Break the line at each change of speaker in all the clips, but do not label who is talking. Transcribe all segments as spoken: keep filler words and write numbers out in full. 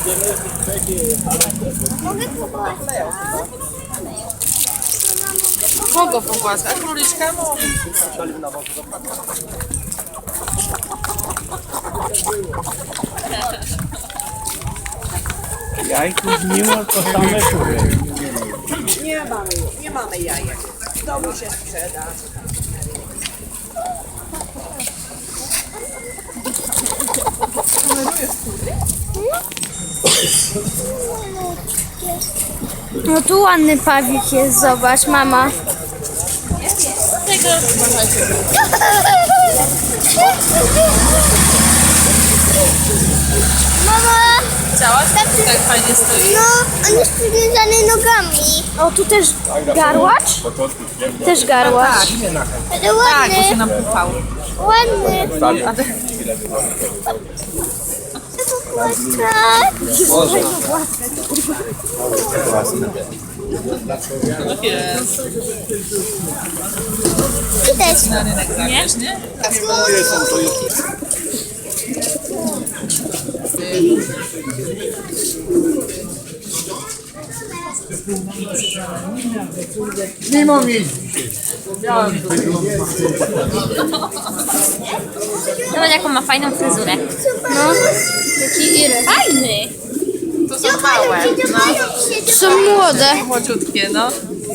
Mogę pogłaskać?
Kogo pogłaskać? A króliczka może.
Jajków nie ma, to same kury.
Nie mamy, nie mamy jajek. W domu się sprzeda.
No tu ładny pawik jest, zobacz, mama. Mama!
Chciałaś? Tak fajnie stoi.
No, on jest przywiązany nogami. O, tu też garłacz? Też garłacz. Ale
Tak,
ładny,
bo się napupał.
ładny.
Jest.
I też.
Na rynek zabierz, nie?
Nie mam jeździć.
Zobacz jaką ma fajną fryzurę.
No, taki iry.
Fajny!
To są małe. No.
Są młode.
Młodziutkie, no.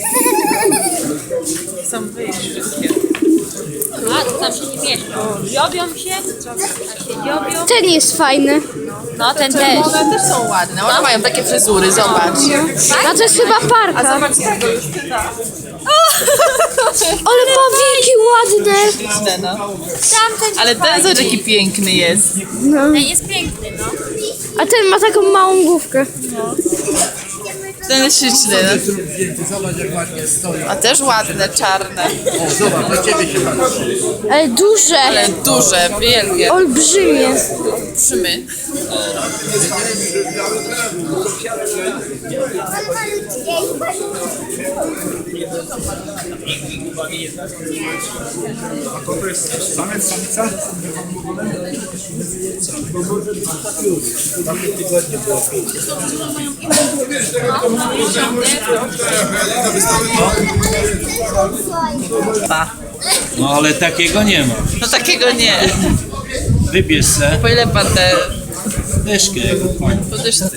Chcą wyjść wszystkie.
A, to tam się nie mieszczą. Dziobią się, a się dziobią.
Ten jest fajny.
No, ten też.
One też są ładne. One mają takie fryzury, zobacz.
A to jest chyba
A
parka.
zobacz tego Justyna.
Ale pawiki ładne.
Śliczne, no.
Tamten
Ale ten zobacz jaki piękny jest.
ten jest piękny, no.
A ten ma taką małą główkę.
Ten jest śliczny. No.
Zobacz jak ładnie stoi.
A też ładne, czarne.
O, zobacz, na ciebie się patrzy.
Ale duże.
Ale duże, wielkie.
Olbrzymie.
Trzymy.
A to jest samiec, samica?
No ale takiego nie ma.
No takiego nie.
Wybierz se
Po ile pan te
dyszkę.
podyszce?